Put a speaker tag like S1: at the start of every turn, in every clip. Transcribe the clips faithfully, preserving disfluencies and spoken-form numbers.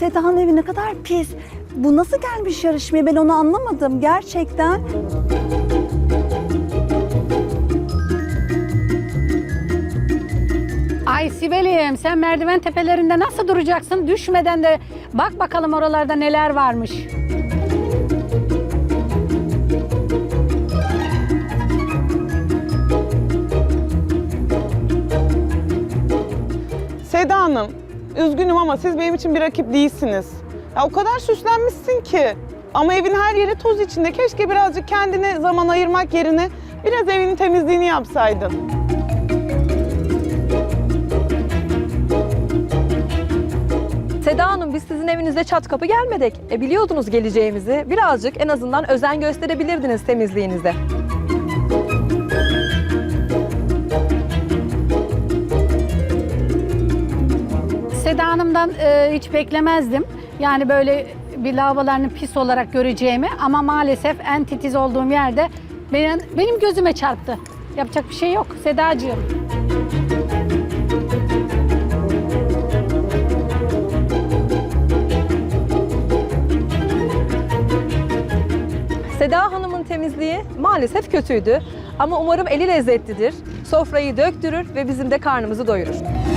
S1: Seda'nın evi ne kadar pis. Bu nasıl gelmiş yarışmaya, ben onu anlamadım gerçekten.
S2: Ay Sibel'im, sen merdiven tepelerinde nasıl duracaksın? Düşmeden de bak bakalım oralarda neler varmış.
S3: Seda Hanım, üzgünüm ama siz benim için bir rakip değilsiniz. Ya o kadar süslenmişsin ki. Ama evin her yeri toz içinde. Keşke birazcık kendine zaman ayırmak yerine biraz evinin temizliğini yapsaydın.
S4: Seda Hanım, biz sizin evinize çat kapı gelmedik. E biliyordunuz geleceğimizi. Birazcık en azından özen gösterebilirdiniz temizliğinize.
S2: Seda Hanım'dan e, hiç beklemezdim. Yani böyle bir lavabolarını pis olarak göreceğimi, ama maalesef en titiz olduğum yerde benim, benim gözüme çarptı. Yapacak bir şey yok Sedacığım.
S4: Seda Hanım'ın temizliği maalesef kötüydü. Ama umarım eli lezzetlidir. Sofrayı döktürür ve bizim de karnımızı doyurur.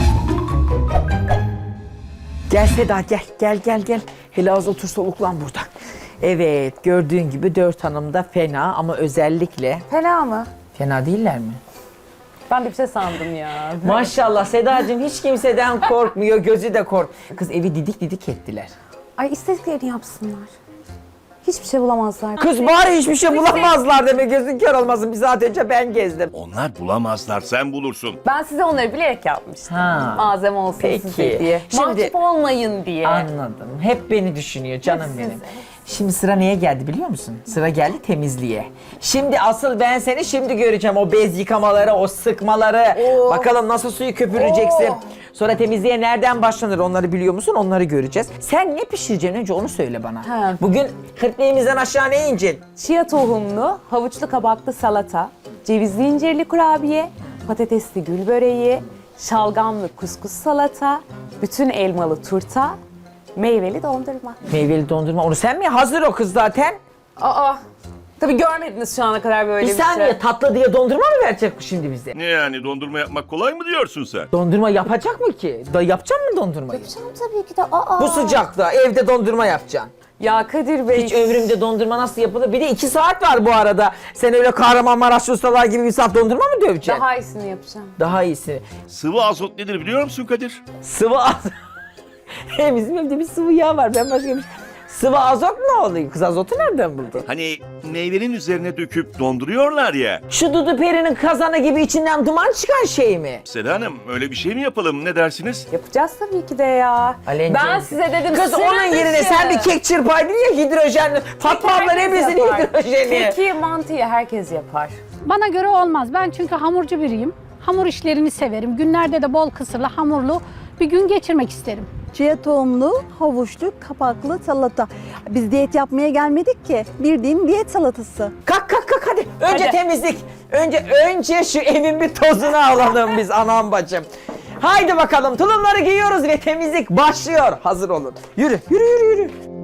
S5: Gel Seda gel gel gel gel. Hele az otur soluklan burada. Evet gördüğün gibi dört hanım da fena ama özellikle...
S6: Fena mı?
S5: Fena değiller mi?
S6: Ben de bir şey sandım ya.
S5: Maşallah Sedacığım hiç kimseden korkmuyor, gözü de kork. Kız evi didik didik ettiler.
S6: Ay istediklerini yapsınlar. Hiçbir şey bulamazlar.
S5: Kız bari hiçbir şey bulamazlar deme, gözün kör olmasın. Bir saat önce ben gezdim.
S7: Onlar bulamazlar, sen bulursun.
S6: Ben size onları bilerek yapmıştım.
S5: Ha.
S6: Malzeme olsun
S5: Peki.
S6: size diye.
S5: Şimdi-
S6: Mahcup olmayın diye.
S5: Anladım. Hep beni düşünüyor canım
S6: Hep
S5: benim.
S6: sizi.
S5: Şimdi sıra neye geldi biliyor musun? Sıra geldi temizliğe. Şimdi asıl ben seni şimdi göreceğim. O bez yıkamaları, o sıkmaları.
S6: Oo.
S5: Bakalım nasıl suyu köpüreceksin.
S6: Oo.
S5: Sonra temizliğe nereden başlanır onları biliyor musun? Onları göreceğiz. Sen ne pişireceksin önce onu söyle bana.
S6: Ha.
S5: Bugün kırkmeyimizden aşağı ne ineceksin?
S6: Chia tohumlu, havuçlu kabaklı salata, cevizli incirli kurabiye, patatesli gül böreği, şalgamlı kuskus salata, bütün elmalı turta, meyveli dondurma.
S5: Meyveli dondurma. Onu sen mi? Hazır o kız zaten.
S6: Aa, tabii görmediniz şu ana kadar böyle
S5: Bir
S6: bir,
S5: saniye
S6: şey.
S5: tatlı diye dondurma mı verecek bu şimdi bize?
S7: Ne yani, dondurma yapmak kolay mı diyorsun sen?
S5: Dondurma yapacak mı ki? Da yapacak mı dondurmayı?
S6: Yapacağım tabii ki de. Aa.
S5: Bu sıcakta evde dondurma yapacaksın.
S6: Ya Kadir Bey.
S5: Hiç ömrümde dondurma nasıl yapılır? Bir de iki saat var bu arada. Sen öyle Kahramanmaraş ustalar gibi bir saat dondurma mı döveceksin?
S6: Daha iyisini yapacağım.
S5: Daha iyisi.
S7: Sıvı azot nedir biliyor musun Kadir?
S5: Sıvı azot. Bizim evde bir sıvı yağ var. Ben başka bir şey... Sıvı azot ne oluyor? Kız azotu nereden buldun?
S7: Hani meyvenin üzerine döküp donduruyorlar ya.
S5: Şu Dudu Peri'nin kazanı gibi içinden duman çıkan şey mi?
S7: Seda Hanım, öyle bir şey mi yapalım, ne dersiniz?
S6: Yapacağız tabii ki de ya.
S5: Alencim.
S6: Ben size dedim.
S5: Kız
S6: sıra
S5: onun yerine
S6: dışı.
S5: sen bir kek çırpaydın ya hidrojenli. Fatma abla
S6: Herkes
S5: hepimizin
S6: yapar.
S5: hidrojeni.
S6: Keki, mantıyı herkes yapar.
S2: Bana göre olmaz. Ben çünkü hamurcu biriyim. Hamur işlerini severim. Günlerde de bol kısırlı, hamurlu bir gün geçirmek isterim.
S1: Chia tohumlu, havuçlu, kapaklı salata. Biz diyet yapmaya gelmedik ki. Bildiğin diyet salatası.
S5: Kalk kalk kalk hadi. Önce
S6: Hadi.
S5: temizlik. Önce önce şu evin bir tozunu alalım biz anam bacım. Haydi bakalım tulumları giyiyoruz ve temizlik başlıyor. Hazır olun. Yürü yürü yürü yürü.